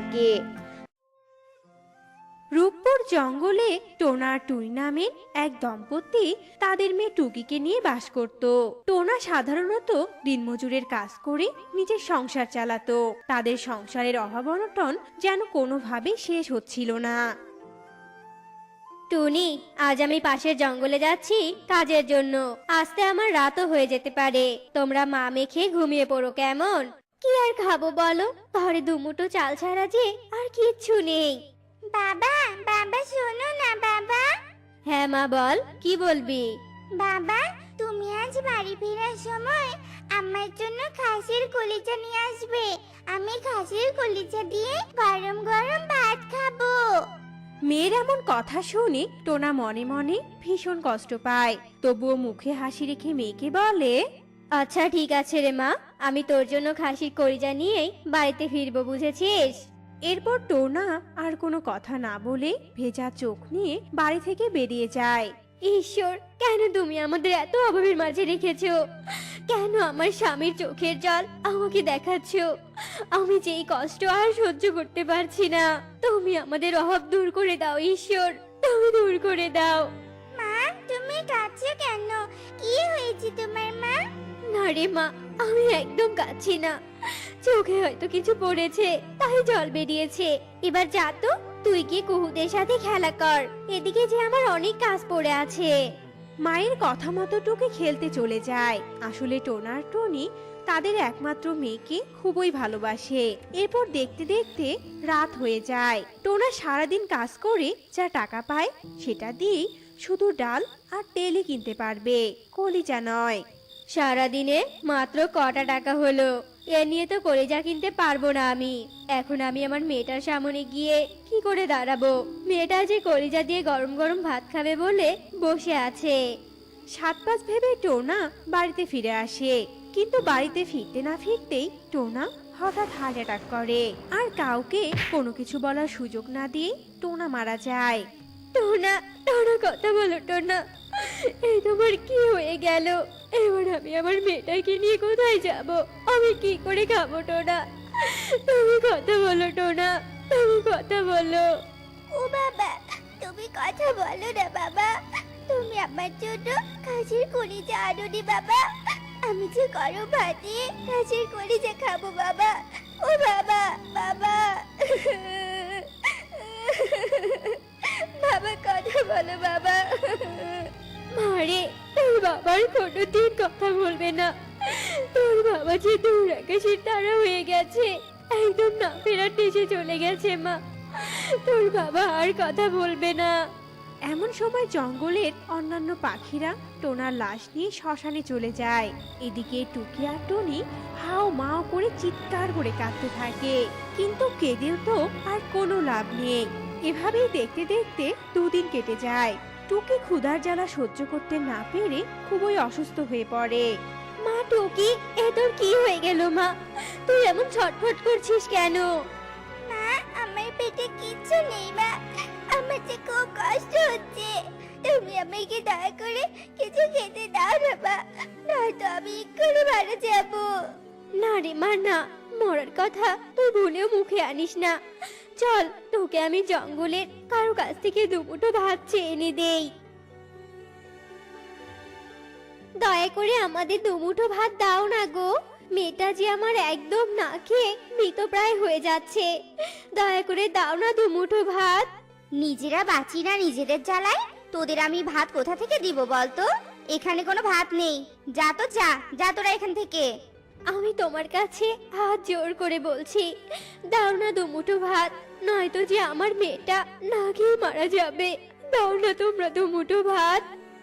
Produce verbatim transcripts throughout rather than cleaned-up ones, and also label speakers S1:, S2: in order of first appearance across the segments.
S1: থাকে। রূপপুর জঙ্গলে টোনা আর টুনি নামের এক দম্পতি তাদের মেয়ে টুকিকে নিয়ে বাস করত। টোনা সাধারণত দিনমজুরের কাজ করে নিজের সংসার চালাতো। তাদের সংসারের অভাব অনটন যেন কোনোভাবেই শেষ হচ্ছিল না।
S2: টুনি, আজ আমি পাশের জঙ্গলে যাচ্ছি কাজের জন্য। আসতে আমার রাতও হয়ে যেতে পারে। তোমরা মা মেখে ঘুমিয়ে পড়ো কেমন? কি আর খাবো বলো, ঘরে দুমুঠো চাল ছাড়া যে আর কিচ্ছু নেই।
S3: বাবা বাবা শোনো না বাবা।
S2: হ্যাঁ মা, বল, কি বলবি?
S3: বাবা, তুমি আজ বাড়ি ফেরার সময় আমার জন্য খাসির কলিজা নিয়ে আসবে। আমি খাসির কলিজা দিয়ে গরম গরম ভাত খাবো।
S1: মেয়ের এমন কথা শুনে টোনা মনে মনে ভীষণ কষ্ট পায়, তবুও মুখে হাসি রেখে মেয়েকে বলে,
S2: আচ্ছা ঠিক আছে রে মা, আমি তোর জন্য খাসির কলিজা নিয়েই বাড়িতে ফিরবো, বুঝেছিস?
S1: এরপর টোনা আর কোনো কথা না বলে ভেজা চোখ নিয়ে বাড়ি থেকে বেরিয়ে যায়।
S2: ঈশ্বর, কেন তুমি আমাদের এত অভাবের মাঝে রেখেছো? কেন আমার স্বামীর চোখের জল আমাকে দেখাচ্ছো? আমি যে এই কষ্ট আর সহ্য করতে পারছি না। তুমি আমাদের অভাব দূর করে দাও ঈশ্বর, তুমি দূর করে দাও।
S3: মা, তুমি কাঁদছো কেন? কি হয়েছে তোমার মা?
S2: না রে মা, আমি একদম কাঁদছি না। চোখে হয়তো কিছু পড়েছে, তাই জল বেরিয়েছে। এবার যা তো, তুই গিয়ে কুহুদের সাথে খেলা কর। এদিকে যে আমার অনেক কাজ পড়ে আছে।
S1: মায়ের কথা মতো টুকি খেলতে চলে যায়। আসলে টোনা আর টনি তাদের একমাত্র মেয়েকে খুবই ভালোবাসে। এরপর দেখতে দেখতে রাত হয়ে যায়। টোনা সারাদিন কাজ করে যা টাকা পায় সেটা দিয়ে শুধু ডাল আর তেলই কিনতে পারবে, কলিজা নয়।
S2: সারাদিনে মাত্র কটা টাকা হলো? এ নিয়ে তো কলিজা কিনতে পারবো না আমি। এখন আমি আমার মেয়েটার সামনে গিয়ে কি করে দাঁড়াবো? মেয়েটা যে কলিজা দিয়ে গরম গরম ভাত খাবে বলে বসে আছে।
S1: সাত পাঁচ ভেবে টোনা বাড়িতে ফিরে আসে, কিন্তু বাড়িতে ফিরতে না ফিরতেই টোনা হঠাৎ হার্ট অ্যাটাক করে, আর কাউকে কোনো কিছু বলার সুযোগ না দিয়ে টোনা মারা যায়।
S2: টোনা, টোনা কথা বলো টোনা, এই তোমার কি হয়ে গেল? এবার আমি আমার মেয়েটাকে নিয়ে কোথায় যাব? আমি কি করে খাবো টোনা? তুমি কথা বলো টোনা, তুমি কথা বলো।
S3: ও বাবা, তুমি কথা বলো না বাবা। তুমি আমার জন্য খাসির কলিজা আনোনি বাবা। আমি যে গরম ভাতে খাসির কলিজা খাবো বাবা। ও বাবা, বাবা। বাবা কথা বলো বাবা।
S2: মারে, তোর বাবার কোনোদিন কথা বলবে না। তোর বাবা যে দূর আকাশের তারা হয়ে গেছে, একদম না ফেরার দেশে চলে গেছে মা। তোর বাবা আর কথা বলবে না।
S1: এমন সময় জঙ্গলের অন্যান্য পাখিরা টোনার লাশ নিয়ে শ্মশানে চলে যায়। এদিকে টুকি আর টনি হাও মাও করে চিৎকার করে কাঁদতে থাকে, কিন্তু কেঁদেও তো আর কোনো লাভ নেই। এভাবেই দেখতে দেখতে দুদিন কেটে যায়। টুকি ক্ষুধার জ্বালা সহ্য করতে না পেরে খুবই অসুস্থ হয়ে পড়ে।
S2: মা টুকি, এ তোর কি হয়ে গেল মা? তুই এমন ছটফট করছিস কেন?
S3: মা, আমার পেটে কিচ্ছু নেই মা। আমার যে খুব কষ্ট হচ্ছে। তুমি আমাকে দয়া করে কিছু খেতে দাও না মা, নয়তো আমি এক্ষুনি মারা যাবো।
S2: না রে মা, না, মরার কথা তুই ভুলেও মুখে আনিস না। চল, তোকে আমি জঙ্গলের কারো কাছ থেকে দুমুঠো ভাত চেয়ে এনে দেই। দয়া করে আমাদের দুমুঠো ভাত দাও না গো। মেয়েটা যে আমার একদম না খেয়ে মৃতপ্রায় হয়ে যাচ্ছে। দয়া করে দাও না দুমুঠো ভাত।
S3: নিজেরা বাঁচি না নিজেদের জ্বালায়, তোদের আমি ভাত কোথা থেকে দিব বলতো? এখানে কোনো ভাত নেই। যা তো যা, যা তোরা এখান থেকে।
S2: আমি তোমার কাছে হাত জোর করে বলছি, দাও না দুমুঠো ভাত, নয়তো যে আমার মেয়েটা না খেয়ে মারা যাবে। দাও না তোমরা দুমুঠো ভাত।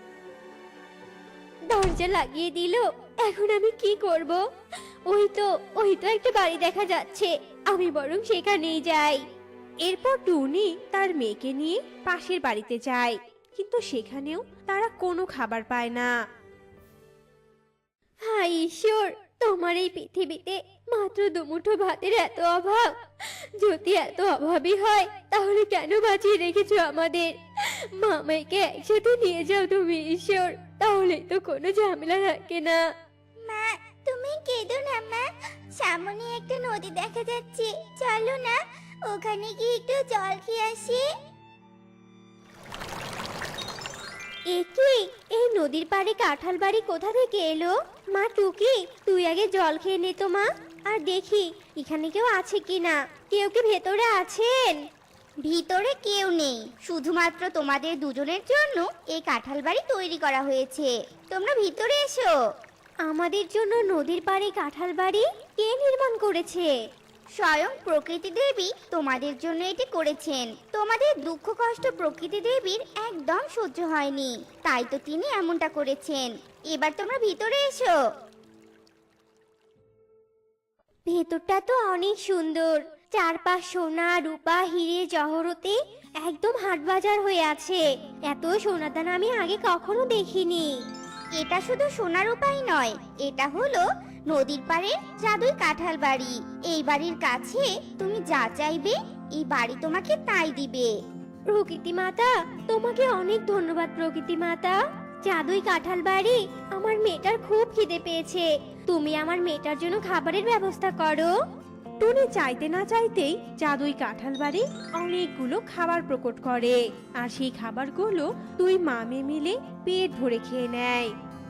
S2: দরজা লাগিয়ে দিল, এখন আমি কি করব? ওই তো ওই তো একটা বাড়ি দেখা যাচ্ছে, আমি বরং সেখানেই যাই।
S1: এরপর টুনি তার মেয়েকে নিয়ে পাশের বাড়িতে যায়, কিন্তু সেখানেও তারা কোনো খাবার পায় না।
S2: হায় ঈশ্বর, তোমার এই পৃথিবীতে মাত্র দুমুঠো ভাতের এত অভাব। যদি এত অভাবই হয় তাহলে কেন বাঁচিয়ে রেখেছো আমাদের? মামাইকে একসাথে নিয়ে যাও তুমি ঈশ্বর, তাহলে তো কোনো ঝামেলা থাকে না।
S3: মা, তুমি কেঁদো না মা। সামনে একটা নদী দেখা যাচ্ছে, চলো না ওখানে কি একটু জল খেয়ে আসি?
S2: এ কি, এই নদীর পাড়ে কাঁঠাল বাড়ি কোথা থেকে এলো? মা টুকি, তুই আগে জল খেয়ে নে তো মা। আর দেখি এখানে কেউ আছে কিনা। কেউ কি ভেতরে আছেন?
S3: ভিতরে কেউ নেই, শুধুমাত্র তোমাদের দুজনের জন্য এই কাঁঠাল বাড়ি তৈরি করা হয়েছে। তোমরা ভিতরে এসো।
S2: আমাদের জন্য নদীর পাড়ে কাঁঠাল বাড়ি কে নির্মাণ করেছে?
S3: স্বয়ং প্রকৃতি দেবী তোমাদের জন্য এটি করেছেন। তোমাদের দুঃখ কষ্ট প্রকৃতি দেবীর একদম সহ্য হয়নি, তাই তো তিনি এমনটা করেছেন। এবার তোমরা ভিতরে এসো।
S2: ভেতরটা তো অনেক সুন্দর। চারপাশ সোনা রূপা হিরে জহরতে একদম হাট বাজার হয়ে আছে। এত সোনাদানা আমি আগে কখনো দেখিনি।
S3: এটা শুধু সোনার উপায় নয়, এটা হলো নদীর পাড়ে জাদুই কাঁঠাল বাড়ি। এই বাড়ির কাছে তুমি যা চাইবে এই বাড়ি তোমাকে তাই দিবে।
S2: প্রকৃতি মাতা, তোমাকে অনেক ধন্যবাদ প্রকৃতি মাতা। জাদুই কাঁঠাল বাড়ি, আমার মেয়েটার খুব খিদে পেয়েছে। তুমি আমার মেয়েটার জন্য খাবারের ব্যবস্থা করো।
S1: টুনি চাইতে না চাইতেই জাদুই কাঁঠাল বাড়ি অনেকগুলো খাবার প্রকট করে, আর সেই খাবারগুলো দুই মামে মিলে পেট ভরে খেয়ে নেয়।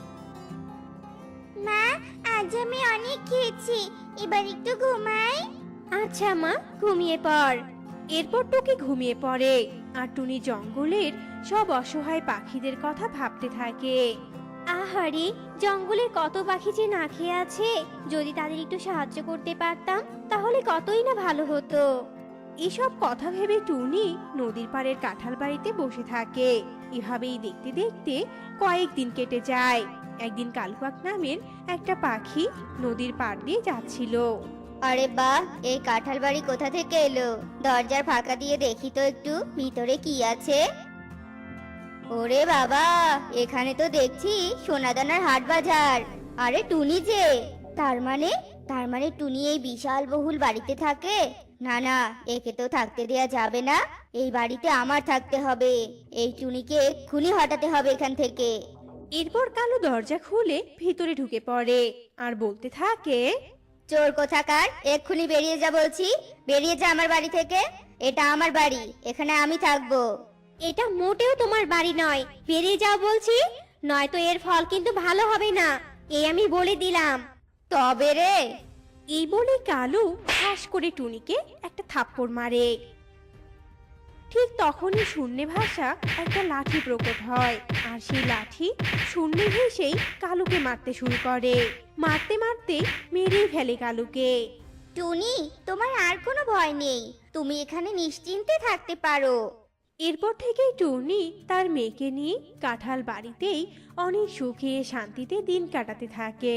S3: মা, আজ আমি অনেক খেয়েছি, এবার একটু ঘুমাই।
S2: আচ্ছা মা, ঘুমিয়ে পড়।
S1: এরপর টুকি ঘুমিয়ে পড়ে, আর টুনি জঙ্গলের সব অসহায় পাখিদের কথা ভাবতে থাকে।
S2: আহারে, জঙ্গলের কত পাখি যে না খেয়ে আছে। যদি তাদের একটু সাহায্য করতে পারতাম তাহলে কতই না ভালো হতো।
S1: এসব কথা ভেবে টুনি নদীর পাড়ের কাঁঠাল বাড়িতে বসে থাকে। এভাবেই দেখতে দেখতে কয়েকদিন কেটে যায়। একদিন কালুকাক নামের একটা পাখি নদীর পাড় দিয়ে যাচ্ছিল।
S3: আরে বাহ, এই কাঁঠাল বাড়ি কোথা থেকে এলো? দরজার ফাঁকা দিয়ে দেখি তো একটু ভিতরে কি আছে। ওরে বাবা, এখানে তো দেখছি সোনাদানার হাট বাজার। আরে টুনি যে, তার মানে তার মানে টুনি এই বিশাল বহুল বাড়িতে থাকে? না না, একে তো থাকতে দেয়া যাবে না। এই বাড়িতে আমার থাকতে হবে। এই টুনিকে এক্ষুনি হটাতে হবে এখান থেকে।
S1: এরপর কালু দরজা খুলে ভিতরে ঢুকে পড়ে আর বলতে থাকে,
S3: চোর কোথাকার, এক্ষুনি বেরিয়ে যা বলছি। বেরিয়ে যা আমার বাড়ি থেকে। এটা আমার বাড়ি, এখানে আমি থাকবো।
S2: এটা মোটেও তোমার বাড়ি নয়, বেরিয়ে যাও বলছি, নয়তো এর ফল কিন্তু ভালো হবে না, এই আমি বলে দিলাম।
S3: তবে রে,
S1: এই বলে কালু ঠাস করে টুনিকে একটা থাপ্পড় মারে। ঠিক তখনই শূন্যে ভাষা একটা লাঠি প্রকট হয়, আর সেই লাঠি শূন্যে ভেসেই কালুকে মারতে শুরু করে। মারতে মারতে মেরেই ফেলে কালুকে।
S3: টুনি, তোমার আর কোনো ভয় নেই, তুমি এখানে নিশ্চিন্তে থাকতে পারো।
S1: এরপর থেকেই টুনি তার মেয়েকে নিয়ে কাঁঠাল বাড়িতেই অনেক সুখে শান্তিতে দিন কাটাতে থাকে।